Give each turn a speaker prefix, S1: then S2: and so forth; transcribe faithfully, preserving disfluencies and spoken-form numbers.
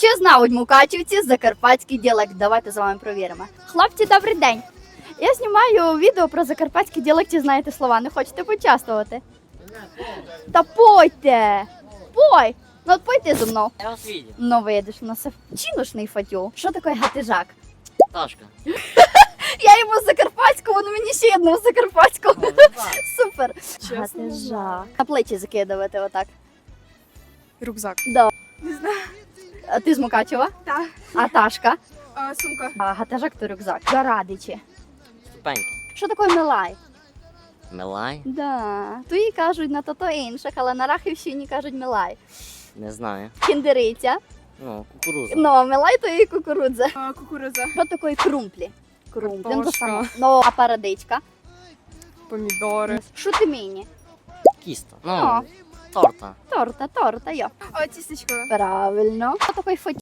S1: Чи знають мукачівці закарпатський діалект? Давайте з вами провіримо. Хлопці, добрий день. Я знімаю відео про закарпатський діалект, і знаєте слова. Не хочете почаствувати? Та пойте! Пой! Ну от пойте зі мною.
S2: Я вас видел.
S1: Ну видиш, ну це чинушний фатю. Що таке гатижак?
S2: Ташка.
S1: Я йому з закарпатського, ну мені ще одного з закарпатського.
S2: Ну, так.
S1: Супер.
S3: Чесно, не
S1: Гатижак.
S3: знаю.
S1: На плечі закидувати отак.
S3: Рюкзак.
S1: Да.
S3: Не знаю.
S1: А ти з Мукачева?
S3: Так.
S1: А Ташка?
S3: А, сумка.
S1: А гатижак то рюкзак. Зарадичі.
S2: Ступеньки.
S1: Що таке милай?
S2: Милай?
S1: Да. Туї кажуть на то-то інших, але на Рахівщині кажуть милай.
S2: Не знаю.
S1: Кіндериця.
S2: Ну, кукуруза.
S1: Ну, а милай то і кукурудза.
S3: А, кукуруза.
S1: Що таке крумплі? Крумплі. Ну, то
S3: Картошка.
S1: саме. Ну, а парадичка?
S3: Помідори.
S1: Шутиміні.
S2: Кіста.
S1: О.
S2: Ну, торта.
S1: Торта, торта, йо.
S3: А, тістечко.
S1: Правильно. Що таке